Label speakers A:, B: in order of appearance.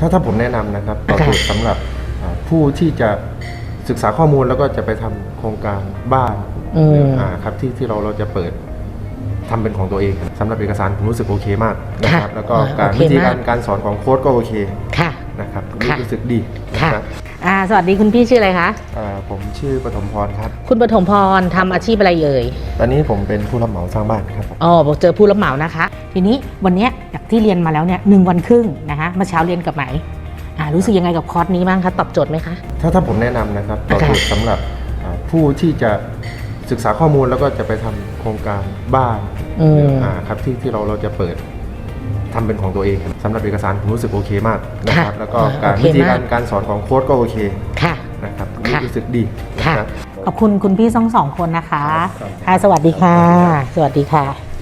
A: ถ้าผมแนะนำนะครับตอบโจทย์สำหรับผู้ที่จะศึกษาข้อมูลแล้วก็จะไปทำโครงการบ้านครับที่เราจะเปิดทำเป็นของตัวเองสำหรับเอกสารผมรู้สึกโอเคมากนะครับแล้วก็วิธีการสอนของโค้ดก็โอเคนะครับรู้สึกดีนะครับ
B: สวัสดีคุณพี่ชื่ออะไรคะ
A: ผมชื่อปฐมพรครับ
B: คุณปฐมพรทำอาชีพอะไรเอ่ย
A: ตอนนี้ผมเป็นผู้รับเหมาสร้างบ้านครับ
B: เจอผู้รับเหมานะคะทีนี้วันนี้จากที่เรียนมาแล้วเนี่ย1 วันครึ่งนะคะเมื่อเช้าเรียนกับไหมรู้สึกยังไงกับคอร์สนี้บ้างคะตอบโจทย์ไหมคะ
A: ถ้าผมแนะนำนะครับตอบโจทย์สำหรับผู้ที่จะศึกษาข้อมูลแล้วก็จะไปทำโครงการบ้านครับที่เราจะเปิดทำเป็นของตัวเองสำหรับเอกสารผมรู้สึกโอเคมากนะครับแล้วก็วิธีการสอนของโค้ดก็โอเคนะครับรู้สึกดี
B: ขอบคุณคุณพี่ทั้ง2 คนนะคะสวัสดีค่ะสวัสดีค่ะ